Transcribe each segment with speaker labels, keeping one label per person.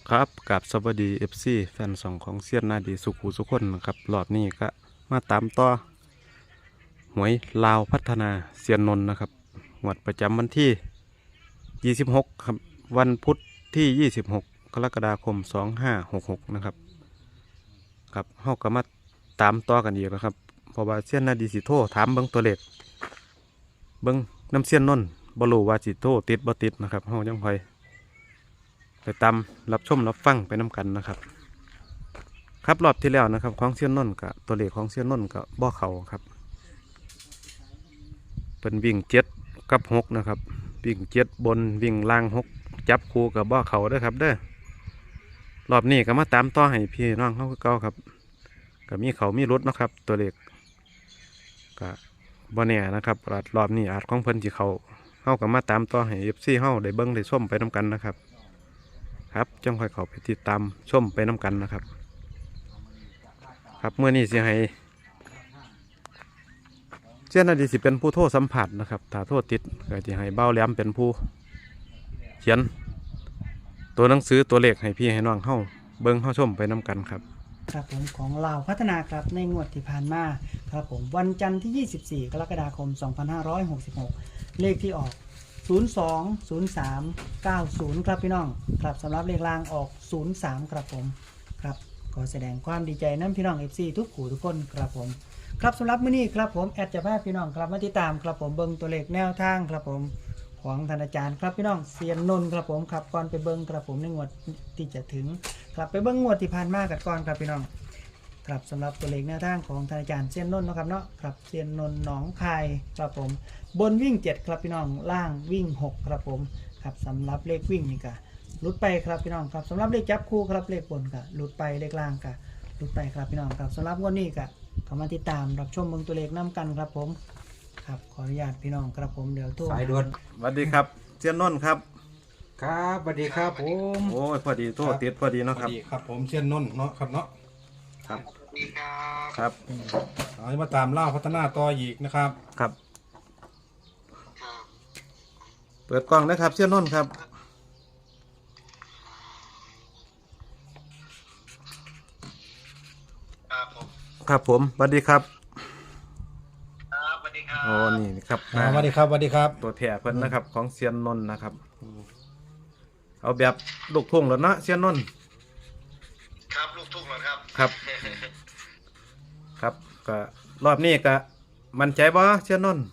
Speaker 1: ครับกับสวัสดีFC แฟนสองของเซียนนาดีสุขุสุขคนนะครับรอบนี้ก็มาตามต่อหวยลาวพัฒนาเซียนนนท์นะครับงวดประจำวันที่26ครับวันพุธที่26กรกฎาคม2566นะครับครับเฮาก็มาตามต่อกันอีกแล้วครับเพราะว่าเซียนนาดีสิโทรถามเบิ่งตัวเลขเบิ่งน้ำเซียนนนท์บ่รู้ว่าสิโทรติดบ่ติดนะครับเฮายังค่อยไปตามรับชมรับฟังไปน้ำกันนะครับครับรอบที่แล้วนะครับของเซียนนนท์กับตัวเลขของเซียนนนท์กับบ่อเขาครับเป็นวิ่ง7 กับ 6นะครับวิ่ง7บนวิ่งล่าง6จับคู่กับบ่อเขาเด้อครับเด้อรอบนี้ก็มาตามต่อให้พี่น้องเขาคือเก่าครับก็มีเขามีรถนะครับตัวเลขก็บ่แน่นะครับรอบนี้อาจของเพิ่นสิเขาเฮาก็มาตามต่อให้ FC เฮาได้เบิ่งได้ชมไปน้ำกันนะครับครับจังค่อยเข้าไปติดตามชมไปน้ำกันนะครับครับเมื่อนี้สิให้เจ้าหน้าที่สิเป็นผู้โทษสัมผัสนะครับถ้าโทษติดก็จะให้เบ้าแหลมเป็นผู้เขียนตัวหนังสือตัวเลขให้พี่ให้น้องเข้าเบิ้งเข้าชมไปน้ำกันครับ
Speaker 2: ครับผมของลาวพัฒนาครับในงวดที่ผ่านมาครับผมวันจันทร์ที่ 24 กรกฎาคม 2566 เลขที่ออก 020390 ครับพี่น้องครับสำหรับเลขล่างออก 03 ครับผมครับขอแสดงความดีใจน้ำพี่น้อง FC ทุกขู่ทุกคนครับผมครับสำหรับมื้อนี้ครับผมแอดจะพาพี่น้องครับมาติดตามครับผมเบิ่งตัวเลขแนวทางครับผมของท่านอาจารย์ครับพี่น้องเซียนนนท์ครับผมครับก่อนไปเบิ่งครับผมในงวดที่จะถึงครับไปเบิ่งงวดที่ผ่านมากันก่อนครับพี่น้องครับสำหรับตัวเลขแนวทางของท่านอาจารย์เซียนนนท์นะครับเนาะครับเซียนนนท์หนองคายครับผมบนวิ่ง7ครับพี่น้องล่างวิ่ง6ครับผมครับสำหรับเลขวิ่งนี่ก็ลุดไปครับพี่น้องครับสำหรับเลขจับคู่ครับเลขบนก็ลุดไปเลขล่างก็ลุดไปครับพี่น้องครับสำหรับงวดนี้ก็เข้ามาติดตามรับชมเบิ่งตัวเลขน้กันครับผมครับขออนุญาตพี่น้องครับผมเดี๋ยวโทร
Speaker 3: สายด่วน
Speaker 1: สวัสดีครับเจ้านนท์ครับ
Speaker 3: ครับสวัสดีครับผม
Speaker 1: โอ้ยพอดีโทษติดพอดีเนาะ
Speaker 4: ส
Speaker 1: ค
Speaker 4: วั
Speaker 1: รับ
Speaker 4: สดีครับผมเชียนนนท์เนาะครับเนาะ
Speaker 1: ครับ
Speaker 5: สวัสดีครับ
Speaker 1: ครับ
Speaker 4: เอามาตามเล่าพัฒนาต่ออีกนะครับ
Speaker 1: ครับ
Speaker 5: ครับ
Speaker 1: เปิดกล้องนะครับเจ้านนท์ครับ
Speaker 5: ครับผม
Speaker 1: ครับผมสวัสดีครับ
Speaker 5: ครับสวัสดีครับ
Speaker 1: โอ้นี่ครับ
Speaker 4: สวัสดีครับสวัสดีครับ
Speaker 1: ตัวแถเพิ่นนะครับของเซียนนนท์นะครับเอาแบบลูกทุ่งแล้วเนาะเซียนนนท์
Speaker 5: ครับลูกทุ่งเหรอครับ
Speaker 1: ครับ ครับก็รอบนี้ก็มั่นใจบ่เซียนนนท์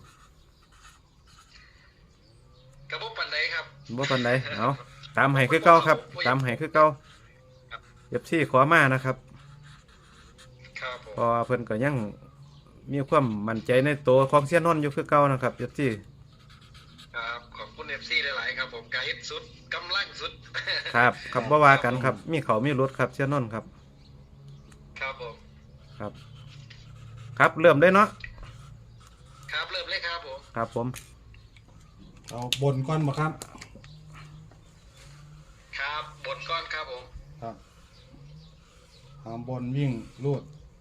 Speaker 5: กระบอกปันไดครับ
Speaker 1: บ่ปานใดเอาตามให้คือเก่าครับ ตามให้คือเก่าFCขอมานะครับ
Speaker 5: ครับผม
Speaker 1: เพอเพิ่นก็ยังมีความมั่นใจในตัวของเซียนนนท์อยู่คือเก่านะครับFC
Speaker 5: ครับขอบคุณเอฟซีหลายๆครับผมกาฮิตสุดกำลังสุด
Speaker 1: ครับครับบ่ว่ากันครับมีเขามีรถครับเซียนนนท์ครับ
Speaker 5: ครับผม
Speaker 1: ครับ ครับเริ่มได้เนาะ
Speaker 5: ครับเริ่มเลยครับผม
Speaker 1: ครับผม
Speaker 4: เอาบนก้อนมาครับ
Speaker 5: ครับบนก้อนครับผม
Speaker 4: ครับเอาบนวิ่งรูด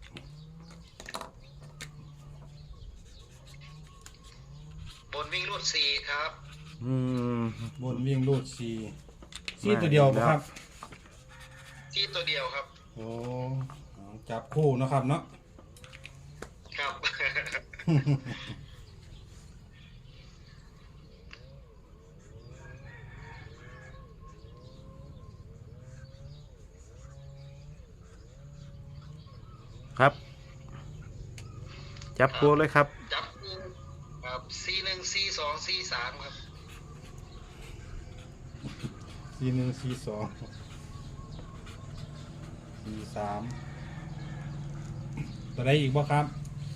Speaker 5: บนวิ่งรูดสี่ครับ
Speaker 1: อืม
Speaker 4: บนวิ่งรูดสี่ตัวเดียวบ่ครับ
Speaker 5: ที่ตัวเดียวครับ
Speaker 4: โอ้เอาจับคู่นะครับเนาะ
Speaker 5: ครับ
Speaker 1: ครับ จับคู่เลยครับ
Speaker 5: จับคู่ครับ41 42 43ครับ
Speaker 4: 41 42 43ตัวใดอีกบ่ครับ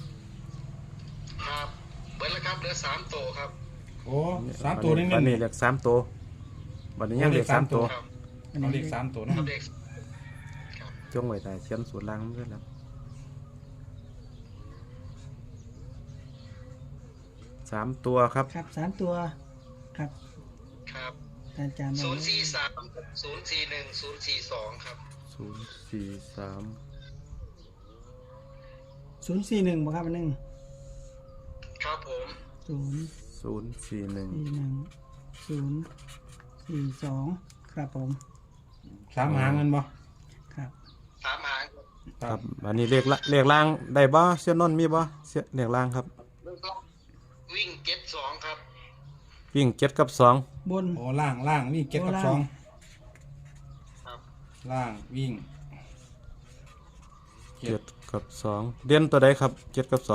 Speaker 5: ครับเบิร์ดแล้วครับเหลือ3ตัวครับ
Speaker 4: โอ้สามตัวนี่
Speaker 1: วันนี้
Speaker 4: นี่
Speaker 1: เหลือ3ตัววันนี้ยังเหลือ3ตัว
Speaker 5: ครับ
Speaker 4: เอาเลข3ตัวเนาะ
Speaker 5: ครับเด็ก
Speaker 1: จงไว้แต่เขียนสูตรล่างด้วยแล้ว3ตัวครับ
Speaker 2: ครับ3ตัวครับ
Speaker 5: ครับ
Speaker 2: อาจารย์
Speaker 5: 043 041 042ครับ
Speaker 1: 043
Speaker 2: 041บ่ครับอันนึง
Speaker 5: ครับผม
Speaker 1: 041
Speaker 2: 041 042ครับผม
Speaker 4: โอเค 3 หางกันบ่
Speaker 2: ครับ
Speaker 5: 3 หาง
Speaker 1: ครับอันนี้เลขล่างได้บ่เสี้ยนนนท์มีบ่เสี้ยเลขล่างครับ
Speaker 5: วิ่งเก็ต2ครับ
Speaker 1: วิ่ง7กับ2
Speaker 2: บน
Speaker 4: โอ้ล่างวิ่ง7กับ
Speaker 2: โอ้ล่าง
Speaker 5: ครับ
Speaker 4: 2ล่างวิ่ง
Speaker 1: 7กับ2เด่นตัวใดครับ7กับ2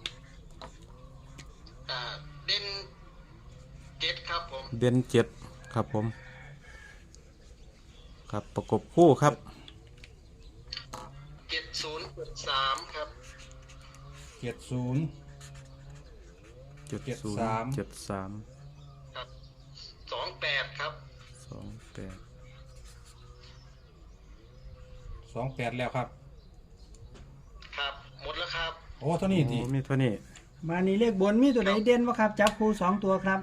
Speaker 5: เด่นเก็ตครับผม
Speaker 1: เด่น7ครับผมครับประกบคู่ครับ
Speaker 5: 7073ครับ
Speaker 4: 70
Speaker 1: 70 73
Speaker 5: ครับ28ครับ
Speaker 1: 28
Speaker 4: 28แล้วครับ
Speaker 5: ครับหมดแล้วครับ
Speaker 4: โอ้เท่านี้ติ
Speaker 1: โอ้มีเท่านี้
Speaker 2: มานี่เลขบนมีตัวไหนเด่นบ่ครับจับคู่2ตัวครับ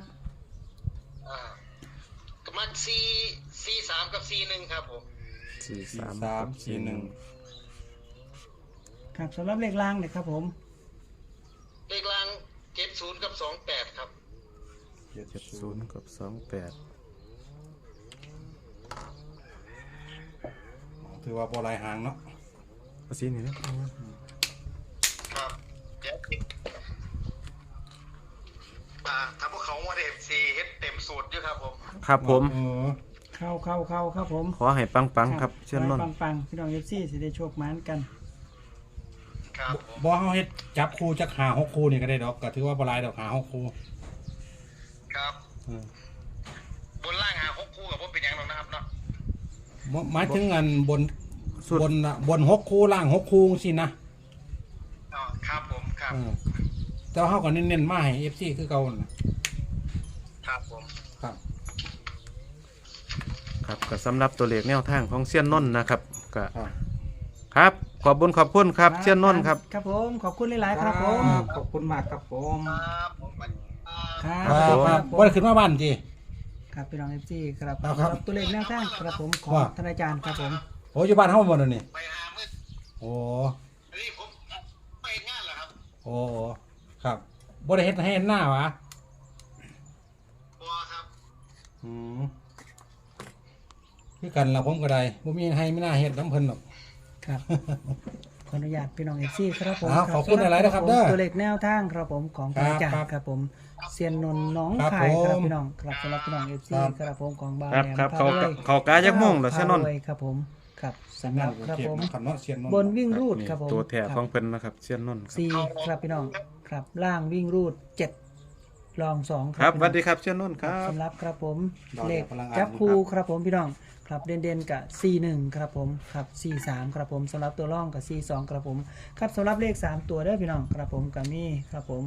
Speaker 5: กมัก43กับ41ครับผม
Speaker 1: 43
Speaker 4: 3 4 1
Speaker 2: ครับสำหรับเลขล่างเนี่ยครับผม
Speaker 5: เลขล่าง70กับ28ครับ
Speaker 1: 70กับ28
Speaker 4: ถือว่าบ่หลายหางเนาะ
Speaker 1: เอาสีนี้นะครับ
Speaker 5: เดี๋ยวถ้าพวกเขาว่าFCเฮ็ดเต็มสูตรอยู่ครับผม
Speaker 1: ครับผม
Speaker 4: เออ
Speaker 2: เข้าครับผม
Speaker 1: ขอให้ปังๆครับเช่นนน
Speaker 2: ขอ
Speaker 1: ท์
Speaker 2: ให้ปังๆพี่น้อง FC สิได้โชคหมานกัน
Speaker 5: ครับผม
Speaker 4: บ่เฮาเฮ็ดจับคู่จักหา6คู่นี่ก็ได้ดอกก็ถือว่าบ่หลายดอกหา6คู่
Speaker 5: ครับ
Speaker 4: เออบ
Speaker 5: นล่างหา6คู่กับผมเป็นอย่างนั้นนะครับเนาะ
Speaker 4: หมายถึงอันบน
Speaker 1: สุด
Speaker 4: บน6คู่ล่าง6คู่จังซี่นะ
Speaker 5: อ๋อครับผมครับ
Speaker 4: เออแต่ว่าเฮาก็เน้นๆมาให้ FC คือเก่านั่นน่ะ
Speaker 5: ครับผม
Speaker 4: ครับ
Speaker 1: ครับก็สำหรับตัวเลขแนวทางของเซียนนนท์นะครับก็
Speaker 4: ครับ
Speaker 1: ครับขอบคุณครับเซียนนนท์ครับ
Speaker 2: ครับผมขอบคุณหลายๆครับผม
Speaker 3: ขอบคุณมากครับผม
Speaker 5: ครับผม
Speaker 2: ครับ
Speaker 4: ครับครับบ่ได้ขึ้นมาบ้านติ
Speaker 2: ครับพี่น้อง FC ครับ
Speaker 4: ครับ
Speaker 2: สำหรับตัวเลขแนวทางครับผมของ
Speaker 4: ว่า
Speaker 2: ท่านอาจารย์ครับผม
Speaker 4: โอ้อยู่บ้านเฮาบ่นั่นนี่
Speaker 5: ไปหามืด
Speaker 4: โอ้
Speaker 5: นี่ผมไปงานเหรอครับ
Speaker 4: โอ้ครับบ่ได้เฮ็ดให้เห็นหน้าวะ
Speaker 5: บัวครับ
Speaker 4: อืมคือกันล่ะผมก็ได้บ่มีให้ไม่น่าเฮ็ดน้ำเพิ่นหรอก
Speaker 2: ครับ ขออนุญาตพี่น้อง FC ครับผม
Speaker 4: ขอบคุณหลายๆนะครับ
Speaker 2: ผม
Speaker 4: เด้อ
Speaker 2: ตัวเลขแนวทางครับผมของท่านอาจารย์ครับผมเซียนนนท์หน้องคายครับพี่น้องครับสำหรับพี่น้อง FC ครับผมของบ้าน
Speaker 1: ครับ
Speaker 2: แหลม
Speaker 1: ครับ
Speaker 2: พารวย
Speaker 1: เขากายักโมงเหรอเซียนนนท์
Speaker 2: พารวยครับผมครับสำหรับครับผม
Speaker 4: ขันเนาะเสียนนนท์
Speaker 2: บนวิ่งรูดครับผม
Speaker 1: ตัวแถบ
Speaker 2: ค
Speaker 1: ข
Speaker 2: รั
Speaker 1: อบ งเพิ่นนะครับเซียนนนท์ครับ
Speaker 2: สี่ครับพี่น้องครับล่างวิ่งรูด7รอง2
Speaker 1: ครับสวัสดีครับเซียนนนท์ครับ
Speaker 2: สำหรับครับผม
Speaker 4: ดอก
Speaker 2: เล
Speaker 4: เดี
Speaker 2: ข
Speaker 4: ยวพลังงาน
Speaker 2: จับคู่
Speaker 4: ครับ
Speaker 2: ครับผมพี่น้องครับเด่นๆกับ41ครับผมครับ43ครับผมสำหรับตัวร่องกับ42ครับผมครับสำหรับเลข3ตัวเด้อพี่น้องครับผมกับมีครับผม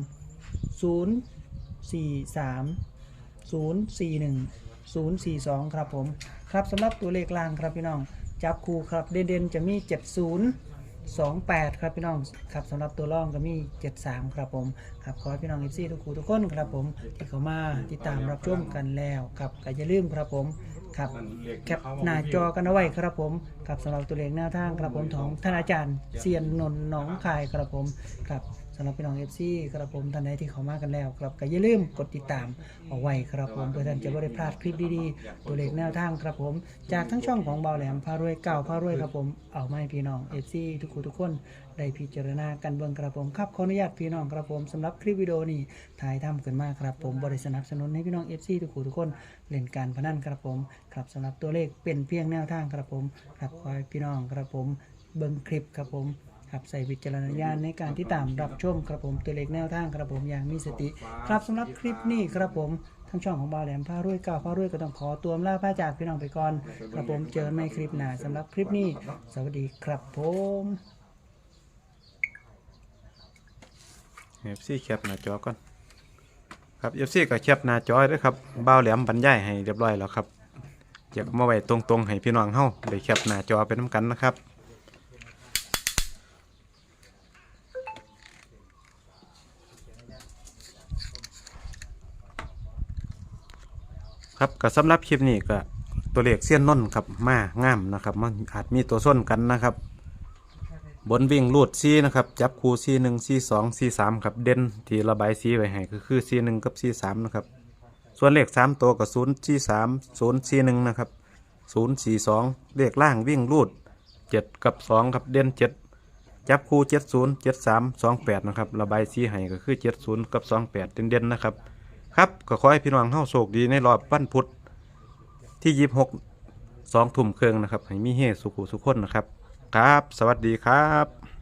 Speaker 2: 041 ครับผมครับสำหรับตัวเลขล่างครับพี่น้องจับคู่ครับเด่นๆจะมี7028ครับพี่น้องครับสำหรับตัวร่องก็มี73ครับผมครับขอให้พี่น้อง FC ทุกคู่ทุกคนครับผมที่เข้ามาติดตามรับชมกันแล้วครับก็อย่าลืมครับผมครับแคปหน้าจอกันเอาไว้ครับผมครับสำหรับตัวเลขแนวทางครับผมของท่านอาจารย์เซียนนนท์หนองคายครับผมครับสำหรับพี่น้อง FC ครับผมท่านใดที่เข้ามากันแล้วครับก็อย่าลืมกดติดตามเอาไว้ครับผมเพื่อท่านจะไม่ได้พลาดคลิปดีๆตัวเลขแนวทางครับผมจากทั้งช่องของเบาแหลมพารวยเก่าพารวยครับผมเอามาให้พี่น้อง FC ทุกคู่ทุกคนได้พิจารณากันเบิ่งครับผมครับขออนุญาตพี่น้องครับผมสำหรับคลิปวิดีโอนี้ถ่ายทำขึ้นมาครับผมบริสนับสนุนให้พี่น้อง FC ทุกคู่ทุกคนเล่นการพนันครับผมครับสำหรับตัวเลขเป็นเพียงแนวทางครับผมครับขอให้พี่น้องครับผมเบิ่งคลิปครับผมครับใส่วิจารณญาณในการที่ตามรับชมครับผมตัวเลขแนวทางครับผมอย่างมีสติครับสำหรับคลิปนี้ครับผมทั้งช่องของบาวแหลมพารวยเก่าพารวยก็ต้องขอตัวลาพระจากพี่น้องไปก่อนครับผมเจอกันใหม่คลิปหน้าสำหรับคลิปนี้สวัสดีครับผม
Speaker 1: FC แคปหน้าจอก่อนครับ FC ก็แคปหน้าจอด้วยครับบ่าวแหลมบรรยายให้เรียบร้อยแล้วครับอยากมาไว้ตรงๆให้พี่น้องเฮาได้แคปหน้าจอไปนํกันนะครับครับก็สำหรับคลิปนี้ก็ตัวเลขเสี้ยนนนท์ครับมางามนะครับมันอาจมีตัวส้นกันนะครับ บนวิ่งรูดซีนะครับจับคู่ซีหนึ่งซีสองซีสามครับเด่นที่ระบายซีไว้ให้ก็คือซีหนึ่งกับซีสามนะครับส่วนเลข3ตัวกับ0 C 3 0 C 1นะครับ 042เลขล่างวิ่งรูด7กับ2ครับเด่น7จับคู่70 73 28นะครับระบายสีให้ก็คือ70กับ28เด่นๆนะครับครับก็ขอให้พี่น้องเฮาโชคดีในรอบวันพุธที่26 2 ทุ่มครึ่งนะครับให้มีเฮสุขุสุขคนนะครับครับสวัสดีครับ